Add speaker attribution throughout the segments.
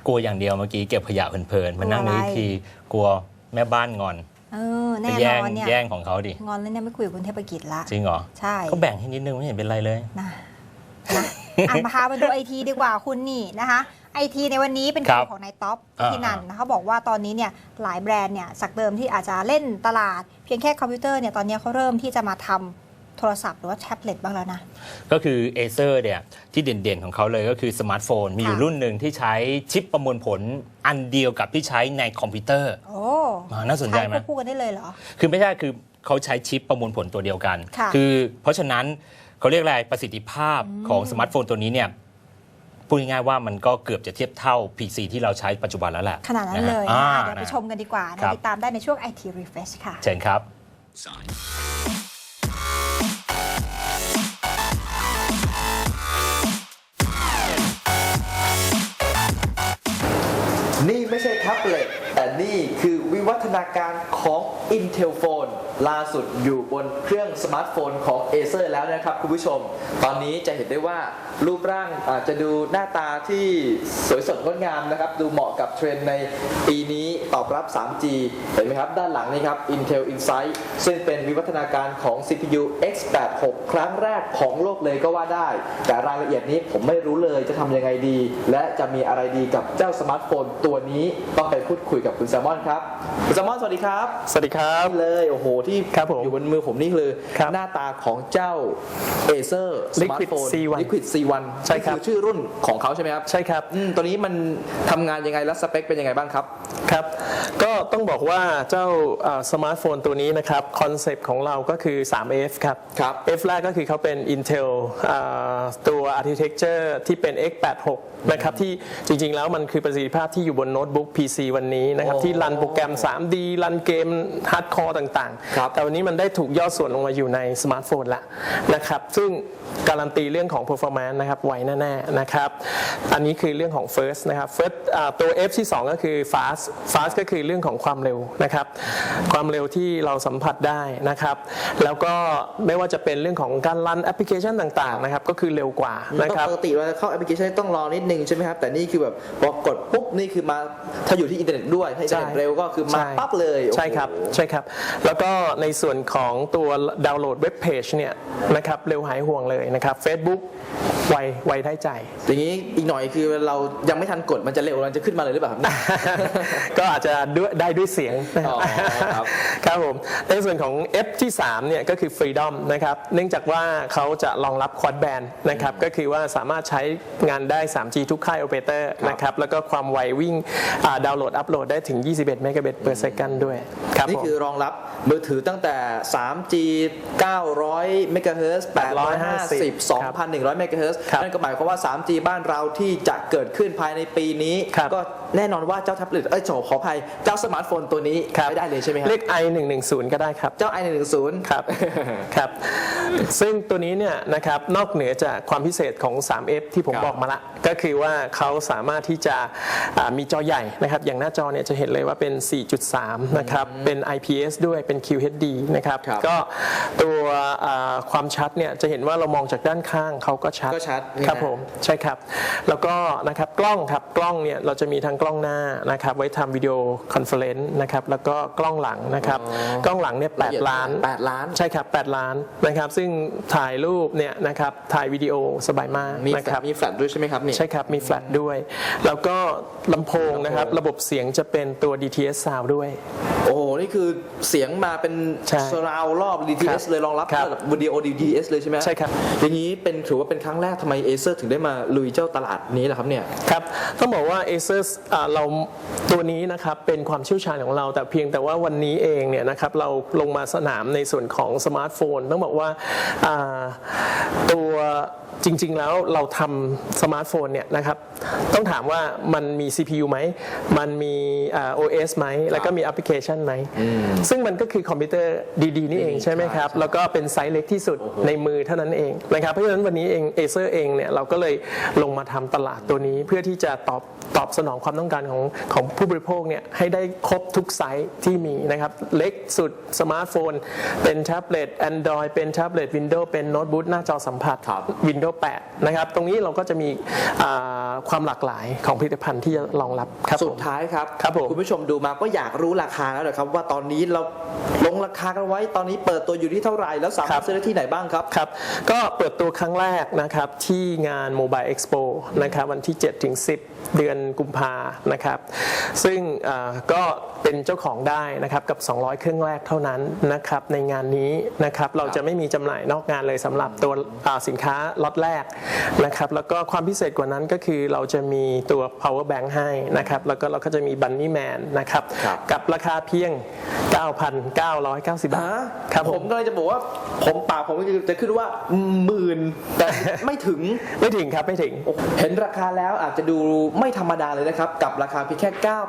Speaker 1: กลัวอย่างเดียวเมื่อกี้เก็บขยะเพลินๆมานั่งนึกทีกลัวแม่บ้านงอน
Speaker 2: แน่นอนเนี่ย
Speaker 1: แย่งของเขาดิ
Speaker 2: งอนแล้วเนี่ยไม่คุยกับคุณเทพกิจละ
Speaker 1: จริงเหรอ
Speaker 2: ใช่
Speaker 1: เขาแบ่งให้นิดนึงไม่เห็นเป็นไรเลย
Speaker 2: นะมาพาไปดูไอทีดีกว่าคุณนี่นะคะไอทีในวันนี้เป็นคิวของนายท็อปที่นันนะเขาบอกว่าตอนนี้เนี่ยหลายแบรนด์เนี่ยจากเดิมที่อาจจะเล่นตลาดเพียงแค่คอมพิวเตอร์เนี่ยตอนนี้เขาเริ่มที่จะมาทำโทรศัพท์หรือว่าแท็บเล็ตบ้างแล้วนะ
Speaker 1: ก็คือ Acer เนี่ยที่เด่นๆของเขาเลยก็คือสมาร์ทโฟนมีอยู่รุ่นหนึ่งที่ใช้ชิปประมวลผลอันเดียวกับที่ใช้ในคอมพิวเตอร์
Speaker 2: โอ้
Speaker 1: น่าสนใจไหม
Speaker 2: พูดกันได้เลยเหรอ
Speaker 1: คือไม่ใช่คือเขาใช้ชิปประมวลผลตัวเดียวกันคือเพราะฉะนั้นเขาเรียกอะไรประสิทธิภาพของสมาร์ทโฟนตัวนี้เนี่ยพูดง่ายๆว่ามันก็เกือบจะเทียบเท่า PC ที่เราใช้ปัจจุบันแล้วแหละ
Speaker 2: ขนาดนั้นเลยเดี๋ยวไปชมกันดีกว่าติดตามได้ในช่วง IT Refresh ค่ะ
Speaker 1: เชิญครับ
Speaker 3: นี่ไม่ใช่แท็บเล็ตแต่นี่คือวิวัฒนาการของ Intel Phone ล่าสุดอยู่บนเครื่องสมาร์ทโฟนของ Acer แล้วนะครับคุณผู้ชมตอนนี้จะเห็นได้ว่ารูปร่างอาจจะดูหน้าตาที่สวยสดงดงามนะครับดูเหมาะกับเทรนด์ในปีนี้ตอบรับ 3G เห็นไหมครับด้านหลังนี่ครับ Intel Insight ซึ่งเป็นวิวัฒนาการของ CPU x86 ครั้งแรกของโลกเลยก็ว่าได้แต่รายละเอียดนี้ผมไม่รู้เลยจะทำยังไงดีและจะมีอะไรดีกับเจ้าสมาร์ทโฟนตัวนี้ต้องไปพูดคุยกับคุณแซมมอนครับคุณแซมมอนสวัสดีครับ
Speaker 4: สวัสดีครับ
Speaker 3: เลยโอ้โหที่อยู่บนมือผมนี่คือหน้าตาของเจ้า Acer
Speaker 4: Liquid C1
Speaker 3: Liquid C1
Speaker 4: ใช่ครับ
Speaker 3: ชื่อรุ่นของเขาใช่ไหมครับ
Speaker 4: ใช่ครับ
Speaker 3: ตัวนี้มันทำงานยังไงและสเปคเป็นยังไงบ้างครับ
Speaker 4: ครับก็ต้องบอกว่าเจ้าสมาร์ทโฟนตัวนี้นะครับคอนเซปต์ของเราก็คือ 3F ครับ F แรกก็คือเขาเป็น Intel ตัว Architecture ที่เป็น x86 นะครับที่จริงๆแล้วมันคือประสิทธิภาพที่อยู่บนโน้ตบุ๊ก PC วันนี้นะครับที่รันโปรแกรม 3D รันเกมฮาร์ดคอร์ต่างๆแต่วันนี้มันได้ถูกย่อส่วนลงมาอยู่ในสมาร์ทโฟนละนะครับซึ่งการันตีเรื่องของ performance นะครับไวแน่ๆนะครับอันนี้คือเรื่องของ first นะครับ first ตัว F ที่2ก็คือ fast ก็คือเรื่องของความเร็วนะครับความเร็วที่เราสัมผัสได้นะครับแล้วก็ไม่ว่าจะเป็นเรื่องของการรันแอปพลิเคชันต่างๆนะครับก็คือเร็วกว่านะครับ
Speaker 3: ปกติเวลาเข้าแอปพลิเคชันต้องรอนิดนึงใช่ไหมครับแต่นี่คือแบบพอกดปุ๊บนี่คือมาถ้าอยู่ที่อินเทอร์เน็ตด้วยถ้าอินเทอร์เน็ตเร็วก็คือมาปั๊บเลย
Speaker 4: ใช่ครับใช่ครับแล้วก็ในส่วนของตัวดาวน์โหลดเว็บเพจเนี่ยนะครับเร็วหายห่วงเลยนะครับ Facebook ไวได้ใจ
Speaker 3: อย่างนี้อีกหน่อยคือเรายังไม่ทันกดมันจะเร็วมันจะขึ้นมาเลยหรือเปล่าครับ
Speaker 4: ก็อาจจะได้ด้วยเสียงครับผมในส่วนของ F ที่3เนี่ยก็คือ Freedom นะครับเนื่องจากว่าเขาจะรองรับ Quad Band นะครับก็คือว่าสามารถใช้งานได้ 3G ทุกค่ายโอเปอเรเตอร์นะครับแล้วก็ความไววิ่งดาวน์โหลดอัปโหลดได้ถึง21 เมกะบิต per second ด้วย
Speaker 3: ครับนี่คือรองรับมือถือตั้งแต่ 3G 900 เมกะเฮิรตซ์ 850 2,100 เมกะเฮิรตซ์นั่นก็หมายความว่า 3G บ้านเราที่จะเกิดขึ้นภายในปีนี้ก็แน่นอนว่าเจ้าแท็บเล็ตขออภัยเจ้าสมาร์ทโฟนตัวนี้ไม่ได้เลยใช่ไหมครับ
Speaker 4: เรียก i110 ก็ได้ครับ
Speaker 3: เจ้า i110
Speaker 4: ครับครับซึ่งตัวนี้เนี่ยนะครับนอกเหนือจากความพิเศษของ 3F ที่ผมบอกมาละก็คือว่าเขาสามารถที่จะมีจอใหญ่นะครับอย่างหน้าจอเนี่ยจะเห็นเลยว่าเป็น 4.3 นะครับเป็น IPS ด้วยเป็น QHD นะครับก็ตัวความชัดเนี่ยจะเห็นว่าเรามองจากด้านข้างเขาก็ชัดครับผมใช่ครับแล้วก็นะครับกล้องครับกล้องเนี่ยเราจะมีทั้งกล้องหน้านะครับไว้ทำวิดีโอคอนเฟอเรนซ์นะครับแล้วก็กล้องหลังนะครับกล้องหลังเนี่ย8 ล้านใช่ครับ8 ล้านนะครับซึ่งถ่ายรูปเนี่ยนะครับถ่ายวิดีโอสบายมากนะครับ
Speaker 3: มีแฟลชด้วยใช่ไหมครับ
Speaker 4: ใช่ครับมีแฟลชด้วยแล้วก็ลำโพงนะครับระบบเสียงจะเป็นตัว DTS Sound ด้วย
Speaker 3: โอ้โหนี่คือเสียงมาเป็นsurround รอบ DTS เลยรองรับวิดีโอ DTS เลยใช่ไหม
Speaker 4: ใช่ครับ
Speaker 3: อย่างนี้ถือว่าเป็นครั้งแรกทำไม Acer ถึงได้มาลุยเจ้าตลาดนี้ล่ะครับเนี่ย
Speaker 4: ครับต้องบอกว่า Acer เราตัวนี้นะครับเป็นความเชี่ยวชาญของเราแต่เพียงแต่ว่าวันนี้เองเนี่ยนะครับเราลงมาสนามในส่วนของสมาร์ทโฟนต้องบอกว่าตัวจริงๆแล้วเราทำสมาร์ทโฟนเนี่ยนะครับต้องถามว่ามันมี CPU ไหมมันมี OS ไหมแล้วก็มีแอปพลิเคชันไหมซึ่งมันก็คือคอมพิวเตอร์ดีๆนี่เองใช่ไหมครับแล้วก็เป็นไซส์เล็กที่สุดในมือเท่านั้นเองนะครับเพราะฉะนั้นวันนี้เอง Acer เองเนี่ยเราก็เลยลงมาทำตลาดตัวนี้เพื่อที่จะตอบสนองความความต้องการของผู้บริโภคเนี่ยให้ได้ครบทุกไซส์ที่มีนะครับเล็กสุดสมาร์ทโฟนเป็นแท็บเล็ต Android เป็นแท็บเล็ต Windows เป็นโน้ตบุ๊กหน้าจอสัมผัส Windows 8 นะครับตรงนี้เราก็จะมีความหลากหลายของผลิตภัณฑ์ที่จะรองรับครับ
Speaker 3: สุดท้ายครับ
Speaker 4: ครับผม
Speaker 3: คุณผู้ชมดูมาก็อยากรู้ราคาแล้วนะครับว่าตอนนี้เราลงราคากันไว้ตอนนี้เปิดตัวอยู่ที่เท่าไหร่แล้วสามารถซื้อได้ที่ไหนบ้างครับ
Speaker 4: ครับก็เปิดตัวครั้งแรกนะครับที่งาน Mobile Expo นะครับวันที่ 7-10 เดือนกุมภานะครับซึ่งก็เป็นเจ้าของได้นะครับกับ200เครื่องแรกเท่านั้นนะครับในงานนี้นะครับเราจะไม่มีจำหน่ายนอกงานเลยสำหรับตัวสินค้าล็อตแรกนะครับแล้วก็ความพิเศษกว่านั้นก็คือเราจะมีตัว power bank ให้นะครับแล้วก็เราก็จะมี bunny man นะครับกับราคาเพียง 9,990 บาทครับ
Speaker 3: ผมก็เลยจะบอกว่าผมจะขึ้นว่าหมื่นแต่ไม่ถึง
Speaker 4: ไม่ถึงครับไม่ถึง
Speaker 3: เห็นราคาแล้วอาจจะดูไม่ธรรมดาเลยนะครับกับราคาเพียงแค่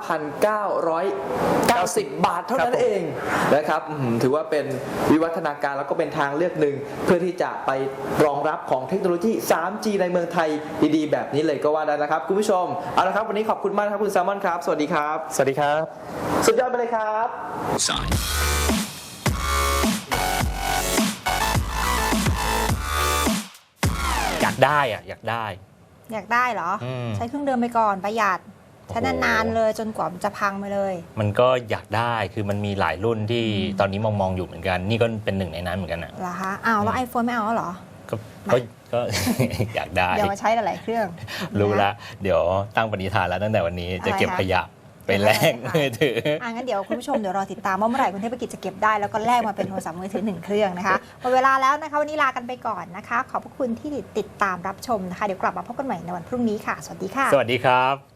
Speaker 3: 9,990 บาทเท่านั้นเองนะครับถือว่าเป็นวิวัฒนาการแล้วก็เป็นทางเลือกหนึ่งเพื่อที่จะไปรองรับของเทคโนโลยี 3G ในเมืองไทยดีๆแบบนี้เลยก็ว่าได้นะครับคุณผู้ชมเอาละครับวันนี้ขอบคุณมากครับคุณแซมมอนครับสวัสดีครับ
Speaker 4: สวัสดีครับ
Speaker 3: สุดยอดไปเลยครับ
Speaker 1: อยากได้อะอยากได้
Speaker 2: อยากได้เหรอ ใช้เครื่องเดิมไปก่อนประหยัดใช้นานๆเลยจนกว่ามันจะพังไปเลย
Speaker 1: มันก็อยากได้คือมันมีหลายรุ่นที่ตอนนี้มองอยู่เหมือนกัน นี่ก็เป็นหนึ่งในนั้นเหมือนกันนะ
Speaker 2: เหรอคะอ้าวแล้ว iPhone ไม่เอาแล้วเหรอ
Speaker 1: ก็ อยากได้
Speaker 2: เดี๋ยวมาใช้หลายๆเครื่อง
Speaker 1: รู้
Speaker 2: นะ
Speaker 1: ละเดี๋ยวตั้งปณิธานแล้วตั้งแต่วันนี้จะเก็บ
Speaker 2: อะไรคะ
Speaker 1: ขยะไปแลกมือถือ
Speaker 2: งั้นเดี๋ยวคุณผู้ชมเดี๋ยวรอติดตามว่าเมื่อไหร่คุณเทพกิจจะเก็บได้แล้วก็แลกมาเป็นโทรศัพท์มือถือ1เครื่องนะคะหมดเวลาแล้วนะคะวันนี้ลากันไปก่อนนะคะขอบพระคุณที่ติดตามรับชมนะคะเดี๋ยวกลับมาพบกันใหม่ในวันพรุ่งนี้ค่ะสวัสดีค่ะ
Speaker 1: สวัสดีครับ